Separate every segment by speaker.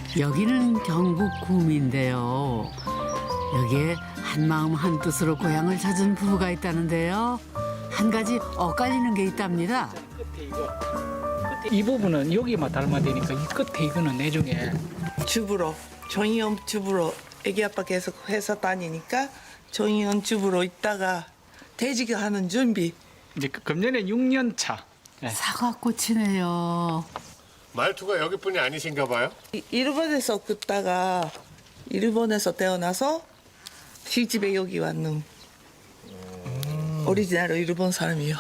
Speaker 1: 여기는 경북 구미인데요. 여기에 한마음 한뜻으로 고향을 찾은 부부가 있다는데요. 한 가지 엇갈리는 게 있답니다.
Speaker 2: 끝에 이거. 끝에 이 부분은 여기만 닮아되니까 이 끝에 이거는 나중에
Speaker 3: 주부로 정의원 주부로 애기 아빠 계속 회사 다니니까 정의원 주부로 있다가 퇴직하는 준비.
Speaker 2: 이제 금년에 6년 차. 네.
Speaker 1: 사과꽃이네요.
Speaker 4: 말투가 여기뿐이 아니신가 봐요?
Speaker 3: 일본에서 긋다가 일본에서 태어나서 시집에 여기 왔는 오리지널 일본 사람이요.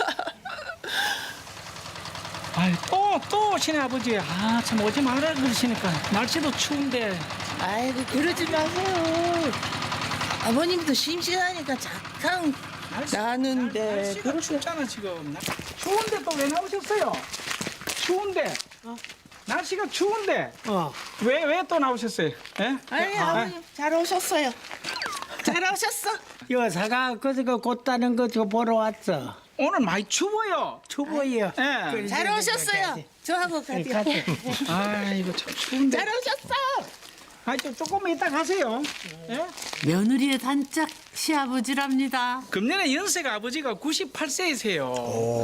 Speaker 2: 아이 또 오시네 아버지. 아 참 오지 말아 그러시니까 날씨도 추운데.
Speaker 3: 아이고 그러지 마세요. 아버님도 심심하니까 잠깐 나는데
Speaker 2: 날씨가
Speaker 3: 그렇게
Speaker 2: 춥잖아 지금. 추운데 또 왜 나오셨어요? 추운데. 날씨가 추운데. 왜 또 나오셨어요? 예?
Speaker 3: 아니 아버님 잘 오셨어요. 잘 오셨어.
Speaker 5: 여사가 그거 곧다는 거 저 보러 왔어.
Speaker 2: 오늘 많이 추워요.
Speaker 5: 추워요.
Speaker 2: 예.
Speaker 3: 잘 오셨어요. 저하고 같이.
Speaker 2: 아이고 참 추운데.
Speaker 3: 잘 오셨어.
Speaker 2: 아, 좀 조금 이따 가세요. 예?
Speaker 1: 며느리의 단짝 시아버지랍니다.
Speaker 2: 금년에 연세가 아버지가 98세이세요.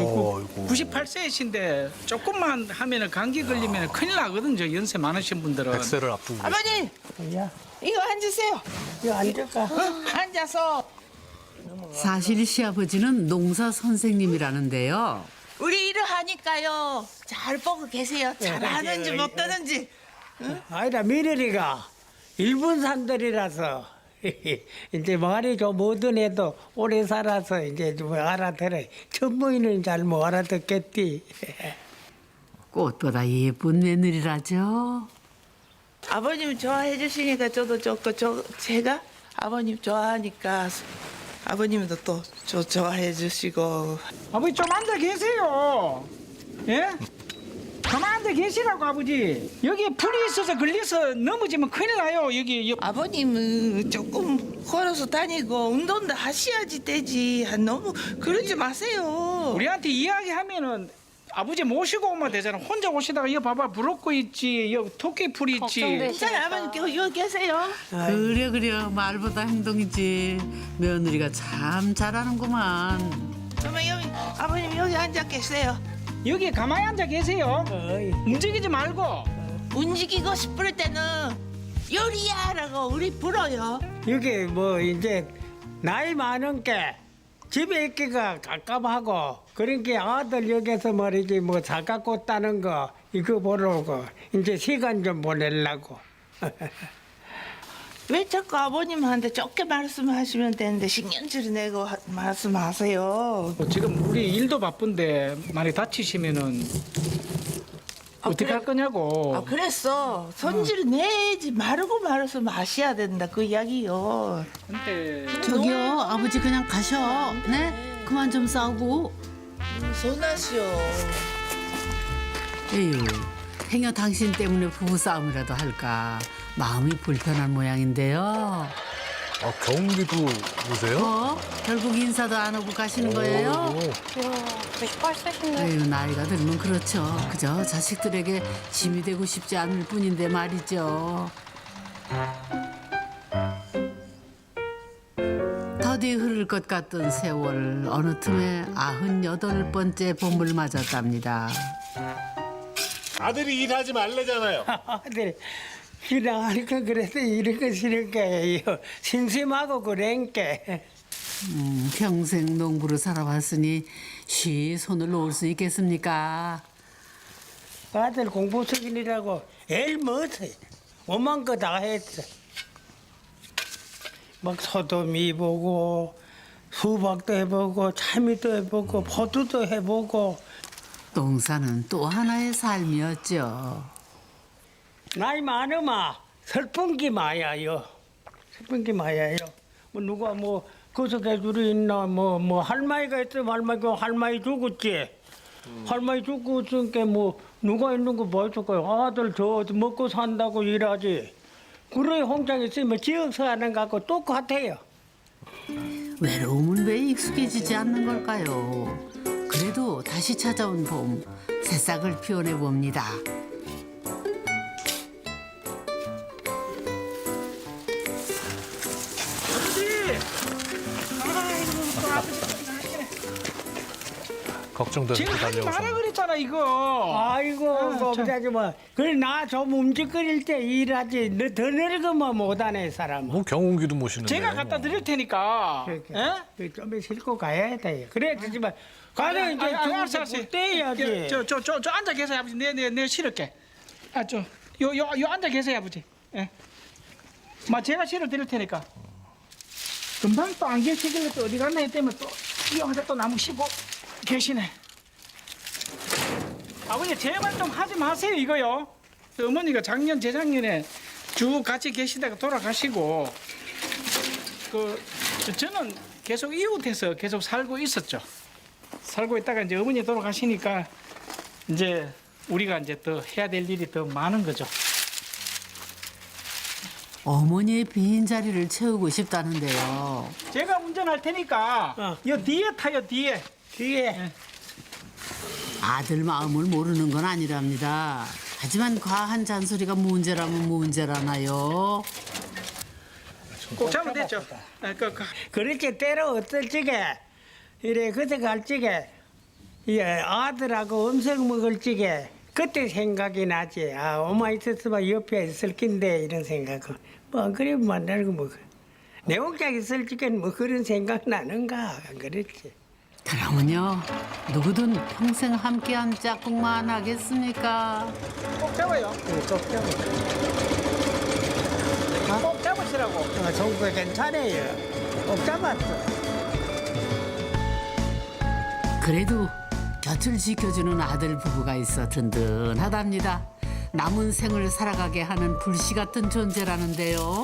Speaker 2: 98세이신데 조금만 하면은 감기 걸리면 큰일 나거든요. 연세 많으신 분들은.
Speaker 4: 백세를 앞두고
Speaker 3: 아버님
Speaker 5: 야,
Speaker 3: 이거 앉으세요.
Speaker 5: 이거 앉을까?
Speaker 3: 앉아서
Speaker 1: 사실 시아버지는 농사 선생님이라는데요.
Speaker 3: 우리 일을 하니까요. 잘 보고 계세요. 잘하는지 못하는지.
Speaker 5: 아니다 며느리가 일본 산들이라서 이제 말이 좀 뭐든 해도 오래 살아서 이제 좀 알아들어. 전부인은 잘 못 알아듣겠지.
Speaker 1: 꽃보다 예쁜 며느리라죠.
Speaker 3: 아버님 좋아해 주시니까 저도 제가 아버님 좋아하니까 아버님도 또 저 좋아해 주시고.
Speaker 2: 아버지 좀 앉아 계세요. 예? 가만 앉아 계시라고 아버지. 여기 풀이 있어서 걸려서 넘어지면 큰일 나요. 여기
Speaker 3: 아버님은 조금 걸어서 다니고 운동도 하셔야지 되지. 너무 그러지 마세요.
Speaker 2: 우리한테 이야기하면은 아버지 모시고 오면 되잖아. 혼자 오시다가 여기 봐봐 부럽고 있지. 여기 토끼풀이 있지.
Speaker 3: 괜찮아요. 아버님 여기 계세요.
Speaker 1: 그래 말보다 행동이지. 며느리가 참 잘하는구만.
Speaker 3: 그러면 여기 아버님 여기 앉아 계세요.
Speaker 2: 여기 가만히 앉아 계세요.
Speaker 5: 어이.
Speaker 2: 움직이지 말고.
Speaker 3: 움직이고 싶을 때는 요리야라고 우리 불어요.
Speaker 5: 여기 뭐 이제 나이 많은 게 집에 있기가 깝깝하고 그러니까 아들 여기서 말이지 뭐 사갖고 따는 거 이거 보러고 이제 시간 좀 보내려고.
Speaker 3: 왜 자꾸 아버님한테 적게 말씀하시면 되는데 신경질을 내고 말씀하세요.
Speaker 2: 지금 우리 일도 바쁜데 많이 다치시면은 어떻게
Speaker 3: 그래.
Speaker 2: 할 거냐고.
Speaker 3: 아 그랬어. 손질 내지 마르고 말아서 마셔야 된다 그 이야기요.
Speaker 2: 근데
Speaker 1: 저기요 아버지 그냥 가셔. 네? 그만 좀 싸우고.
Speaker 3: 손하시오.
Speaker 1: 에휴 행여 당신 때문에 부부싸움이라도 할까 마음이 불편한 모양인데요.
Speaker 4: 경기도 오세요?
Speaker 1: 결국 인사도 안 하고 가시는 거예요?
Speaker 6: 98세신데.
Speaker 1: 에휴 나이가 들면 그렇죠. 그저 자식들에게 짐이 되고 싶지 않을 뿐인데 말이죠. 더디 흐를 것 같던 세월 어느 틈에 98번째 봄을 맞았답니다.
Speaker 4: 아들이 일하지 말래잖아요.
Speaker 5: 아들 그냥 할까 그래서 이런 거 싫은 거예요. 심심하고 그러니까.
Speaker 1: 평생 농부로 살아왔으니 쉬 손을 놓을 수 있겠습니까?
Speaker 5: 아들 공부 숙인이라고 일 못해. 오만 거 다 했어. 막 소도미 해보고 수박도 해보고 참이도 해보고 포도도 해보고.
Speaker 1: 농사는 또 하나의 삶이었죠.
Speaker 5: 나이 많으면 슬픈 게 많아요. 슬픈 게 많아요. 뭐 누가 뭐 거석해 줄이 있나 뭐 할머니가 있으면 할머니 죽었지. 할머니 죽고 있으니까 뭐 누가 있는 거 보여줄 거야. 아들 저 먹고 산다고 일하지. 그래 홍장 있으면 지역서 하는 거하고 똑같아요.
Speaker 1: 외로움은 왜 익숙해지지 않는 걸까요? 그래도 다시 찾아온 봄, 새싹을 피워내 봅니다.
Speaker 4: 걱정돼서
Speaker 2: 제가 하지 마라
Speaker 4: 달려오셨네.
Speaker 2: 그랬잖아 이거.
Speaker 5: 아이고,
Speaker 2: 참.
Speaker 5: 그러지 마. 그래, 나 좀 움직거릴 때 일하지. 너 더 늙으면 못하네, 사람.
Speaker 4: 뭐 경운기도 모시는데.
Speaker 2: 제가 갖다 드릴 테니까. 예?
Speaker 5: 좀 싣고 가야 돼. 그래, 되지만. 가서 이제
Speaker 2: 알았어.
Speaker 5: 좀 떼야지.
Speaker 2: 저 앉아 계세요 아버지. 내 실을게. 요 앉아 계세요 아버지. 예. 제가 실어 드릴 테니까. 금방 또 안 계시길래 또 어디 갔나 했더니 또 여기서 또 나무 쉬고 계시네. 아버지 제발 좀 하지 마세요 이거요. 어머니가 작년 재작년에 쭉 같이 계시다가 돌아가시고 저는 계속 이웃에서 계속 살고 있었죠. 살고 있다가 이제 어머니 돌아가시니까 이제 우리가 이제 더 해야 될 일이 더 많은 거죠.
Speaker 1: 어머니의 빈 자리를 채우고 싶다는데요.
Speaker 2: 제가 운전할 테니까 요 뒤에 타요 뒤에.
Speaker 5: 뒤에.
Speaker 1: 아들 마음을 모르는 건 아니랍니다. 하지만 과한 잔소리가 문제라면 문제라나요.
Speaker 2: 꼭 잡으면 됐죠.
Speaker 5: 그렇게 때려 어떨 적에 이래 그때 갈 적에 예, 아들하고 음식 먹을 적에 그때 생각이 나지. 아 엄마 있었으면 옆에 있을 낀데 이런 생각은 뭐 그래 만나고 뭐 내 혼자 있을 적에는 뭐 그런 생각 나는가 안 그랬지.
Speaker 1: 그러면요, 누구든 평생 함께한 짝꿍만 하겠습니까?
Speaker 2: 꼭 잡아요.
Speaker 5: 꼭 잡아.
Speaker 2: 꼭 잡으시라고.
Speaker 5: 정부 괜찮아요. 꼭 잡았어.
Speaker 1: 그래도 곁을 지켜주는 아들 부부가 있어 든든하답니다. 남은 생을 살아가게 하는 불씨 같은 존재라는데요.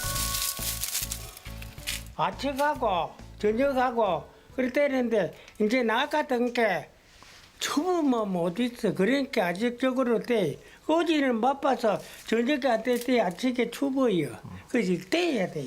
Speaker 5: 아침하고 저녁하고 그럴 때는데 이제 나 같은 게 추우면 못 있어. 그러니까 아직적으로 때 어제는 바빠서 저녁에 안 될 때 아침에 추워요. 그래서 떼야 돼.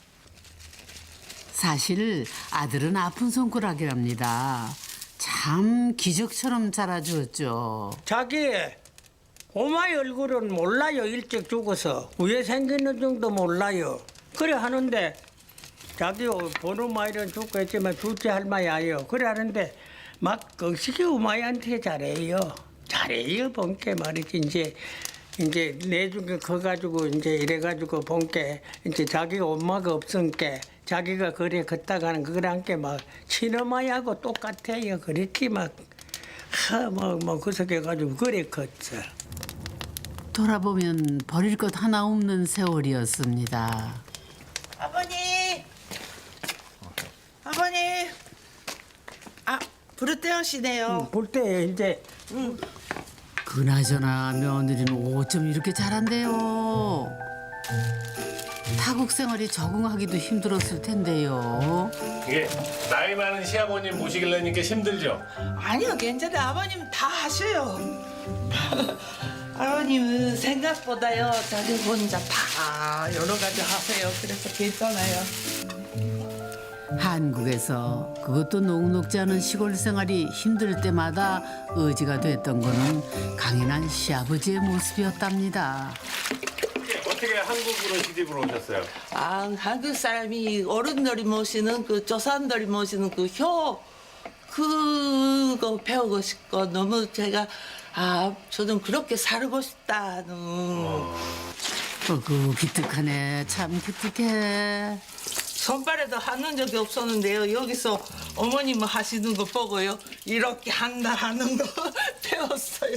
Speaker 1: 사실 아들은 아픈 손가락이랍니다. 참 기적처럼 자라주었죠.
Speaker 5: 자기 엄마의 얼굴은 몰라요. 일찍 죽어서 왜 생기는 정도 몰라요. 그래 하는데 자기 보는 마이는 죽고 했지만 둘째 할머니예요. 그래 하는데 막 거시기 엄마한테 잘해요. 잘해요. 본게 말이지 이제 내중에 커가지고 이제 이래가지고 본게 이제 자기가 엄마가 없으니까 자기가 그래 걷다가는 그랑 게막 친엄마하고 똑같아요. 그랬지 막뭐 구석해가지고 그래 컸어.
Speaker 1: 돌아보면 버릴 것 하나 없는 세월이었습니다.
Speaker 3: 아버님. 아, 부르떼어시네요.
Speaker 5: 볼 때 이제
Speaker 1: 그나저나 며느리는 어쩜 이렇게 잘한대요. 타국 생활이 적응하기도 힘들었을 텐데요.
Speaker 4: 이게 나이 많은 시아버님 모시길래니까 힘들죠?
Speaker 3: 아니요, 괜찮아요. 아버님 다 하셔요. 아버님은 생각보다요, 자기 혼자 다 여러 가지 하세요. 그래서 괜찮아요.
Speaker 1: 한국에서 그것도 녹록지 않은 시골 생활이 힘들 때마다 의지가 됐던 거는 강인한 시아버지의 모습이었답니다.
Speaker 4: 어떻게 한국으로 시집을 오셨어요?
Speaker 3: 아, 한국 사람이 어른들이 모시는 그 조상들이 모시는 그 효, 그거 배우고 싶고 너무 제가 저는 그렇게 살고 싶다는.
Speaker 1: 어구 기특하네. 참 기특해.
Speaker 3: 손발에도 하는 적이 없었는데요. 여기서 어머님 하시는 거 보고요. 이렇게 한다 하는 거 배웠어요.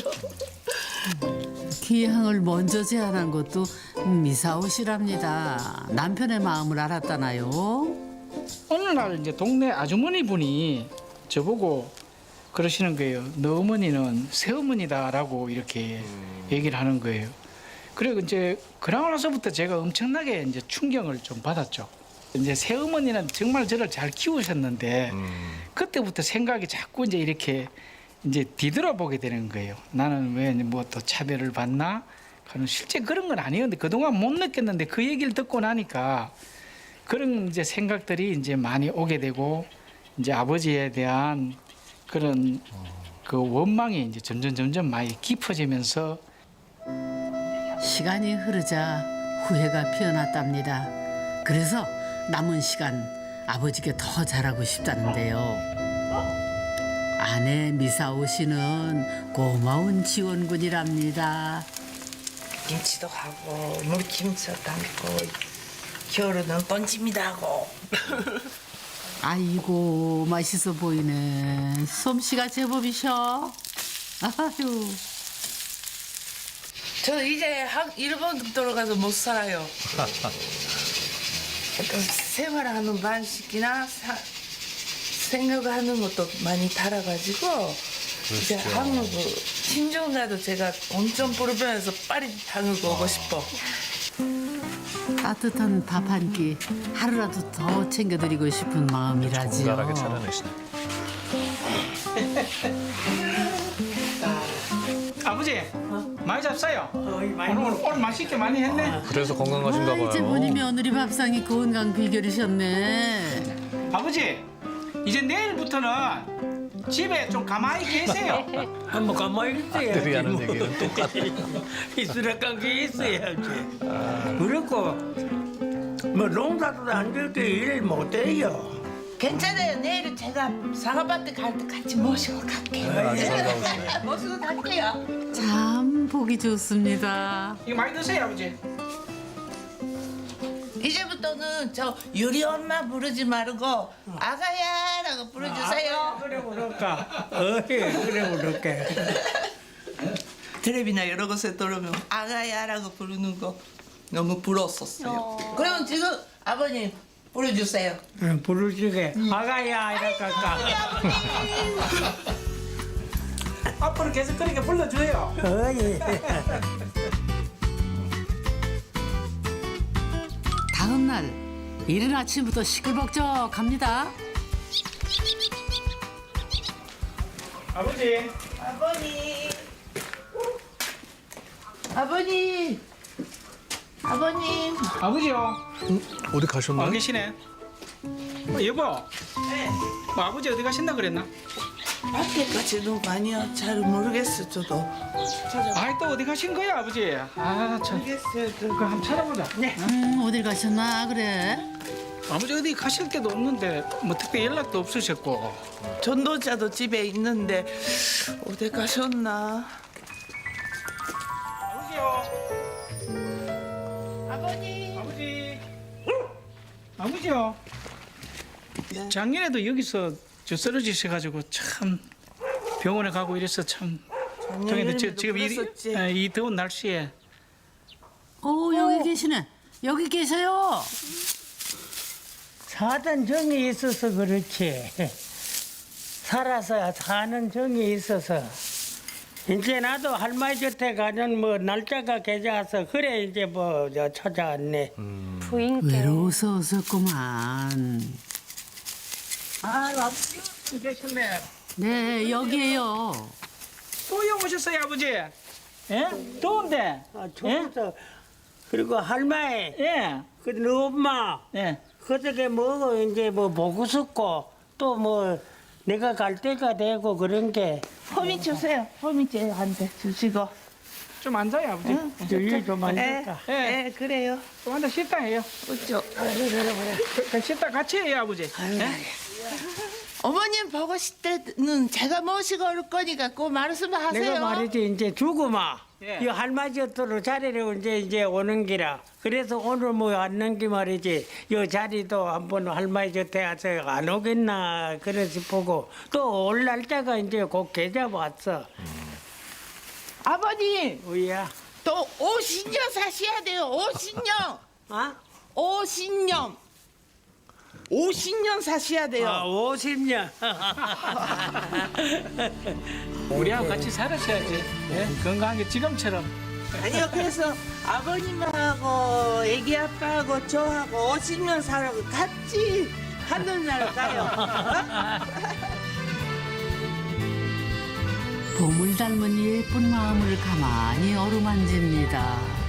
Speaker 1: 기항을 먼저 제안한 것도 미사오시랍니다. 남편의 마음을 알았다나요?
Speaker 2: 어느 날 이제 동네 아주머니 분이 저보고 그러시는 거예요. 너 어머니는 새어머니다라고 이렇게 얘기를 하는 거예요. 그리고 이제 그러고 나서부터 제가 엄청나게 이제 충격을 좀 받았죠. 이제 새어머니는 정말 저를 잘 키우셨는데 그때부터 생각이 자꾸 이제 이렇게 이제 뒤돌아보게 되는 거예요. 나는 왜 뭐 또 차별을 받나? 실제 그런 건 아니었는데 그동안 못 느꼈는데 그 얘기를 듣고 나니까 그런 이제 생각들이 이제 많이 오게 되고 이제 아버지에 대한 그런 그 원망이 이제 점점 많이 깊어지면서
Speaker 1: 시간이 흐르자 후회가 피어났답니다. 그래서 남은 시간 아버지께 더 잘하고 싶다는데요. 아내 미사오 씨는 고마운 지원군이랍니다.
Speaker 3: 김치도 하고 물김치도 담고 겨울에는 번짐이도 하고.
Speaker 1: 아이고 맛있어 보이네. 솜씨가 제법이셔. 아유.
Speaker 3: 저 이제 일본 돌아가서 못 살아요. 그 생활하는 방식이나 생각하는 것도 많이 달아가지고 이제 한국 친정 가도 제가 엄청 불편해서 빨리 한국 오고 싶어.
Speaker 1: 따뜻한 밥 한 끼 하루라도 더 챙겨드리고 싶은 마음이라지요.
Speaker 7: 정갈하게 차려내시네.
Speaker 2: 아버지 많이 잡사요. 오늘 맛있게 많이 했네.
Speaker 7: 그래서 건강하신가
Speaker 1: 아, 이제 보니
Speaker 7: 봐요.
Speaker 1: 며느리 밥상이 건강 비결이셨네.
Speaker 2: 아버지 이제 내일부터는 집에 좀 가만히 계세요.
Speaker 5: 한번 가만히 있어야지.
Speaker 7: 아들이 하는 얘기는 똑같아.
Speaker 5: 이수락 관계 있어야지. 그렇고 뭐 농사도 안 될게 일 못해요.
Speaker 3: 괜찮아요. 내일은 제가 사과밭에 갈 때 같이 모시고 갈게요.
Speaker 7: 아주 살가우시네.
Speaker 3: 모시고 갈게요.
Speaker 1: 참 보기 좋습니다.
Speaker 2: 이거 많이 드세요 아버지.
Speaker 3: 이제부터는 저 유리 엄마 부르지 말고 아가야라고 부르주세요.
Speaker 5: 그래 그럴까? 그래 그럴까?
Speaker 3: 텔레비나 여러 곳에 들으면 아가야라고 부르는 거 너무 부러웠었어요. 그러면 지금 아버님 부르주세요.
Speaker 5: 부르시게 아가야 이럴까?
Speaker 2: 앞으로 계속 그렇게 불러줘요.
Speaker 5: 어이.
Speaker 1: 다음 날 이른 아침부터 시끌벅적합니다.
Speaker 2: 아버지
Speaker 3: 아버님, 아버님, 아버님.
Speaker 2: 아버지요.
Speaker 7: 어디
Speaker 2: 와
Speaker 7: 가셨나요?
Speaker 2: 계시네. 여보.
Speaker 3: 네.
Speaker 2: 뭐 아버지 어디 가신다 그랬나?
Speaker 3: 밖에까지도 많이 잘 모르겠어 저도.
Speaker 2: 아이 또 어디 가신 거야 아버지? 아 참.
Speaker 3: 모르겠어요.
Speaker 2: 그 한번 찾아보자. 네.
Speaker 1: 어딜 가셨나 그래?
Speaker 2: 아버지 어디 가실 데도 없는데 뭐 특별히 연락도 없으셨고.
Speaker 3: 전도자도 집에 있는데 어디 가셨나?
Speaker 2: 아버지요.
Speaker 3: 아버님.
Speaker 2: 아버지. 아버지요. 작년에도 여기서 저 쓰러지셔가지고 참 병원에 가고 이래서 참.
Speaker 3: 작년에도
Speaker 2: 지금
Speaker 3: 그랬었지.
Speaker 2: 이 더운 날씨에
Speaker 1: 여기 계시네. 여기 계세요.
Speaker 5: 사단 정이 있어서 그렇지. 살아서 사는 정이 있어서. 이제 나도 할머니 곁에 가는 뭐 날짜가 계좌서 그래 이제 뭐 저 찾아왔네.
Speaker 6: 부인께
Speaker 1: 외로워서 어섰구만.
Speaker 2: 아 아버지 계셨네.
Speaker 1: 네 여기에요.
Speaker 2: 또 오셨어요 아버지? 예? 더운데?
Speaker 5: 아, 좋았어. 그리고 할머니,
Speaker 2: 예.
Speaker 5: 그너 엄마,
Speaker 2: 예.
Speaker 5: 그저께 뭐 이제 뭐 보고 싶고 또 뭐 내가 갈 때가 되고 그런 게
Speaker 3: 호미 주세요. 호미 쟤한테 주시고.
Speaker 2: 좀 앉아요 아버지.
Speaker 5: 여기 좀
Speaker 3: 예,
Speaker 5: 앉을까?
Speaker 3: 예, 그래요.
Speaker 2: 좀 앉아 쉬다 해요.
Speaker 3: 어쩌.
Speaker 2: 쉬다 같이 해요 아버지. 예?
Speaker 3: 어머님 보고 싶을 때는 제가 모시고 올 거니까 꼭 말씀하세요.
Speaker 5: 내가 말이지 이제 죽으마.
Speaker 2: 예.
Speaker 5: 이 할머니 곁으로 자리를 이제 오는 기라. 그래서 오늘 뭐 왔는 게 말이지. 이 자리도 한번 할머니 곁에 와서 안 오겠나 그래 싶고 또 올 날짜가 이제 곧 계좌 왔어.
Speaker 3: 아버님,
Speaker 5: 우야.
Speaker 3: 또 50년 사셔야 돼요. 50년.
Speaker 5: 아?
Speaker 3: 50년. 50년 사셔야 돼요.
Speaker 5: 아, 50년.
Speaker 2: 우리하고 같이 살으셔야지. 예? 건강하게 지금처럼.
Speaker 3: 아니요, 그래서 아버님하고 애기 아빠하고 저하고 50년 살고 같이 하늘날 가요.
Speaker 1: 봄을 닮은 예쁜 마음을 가만히 어루만집니다.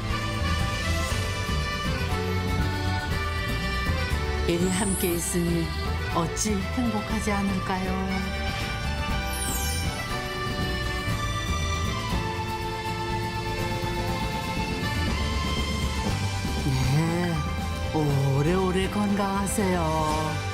Speaker 1: 이리 함께 있으니 어찌 행복하지 않을까요? 네, 오래오래 건강하세요.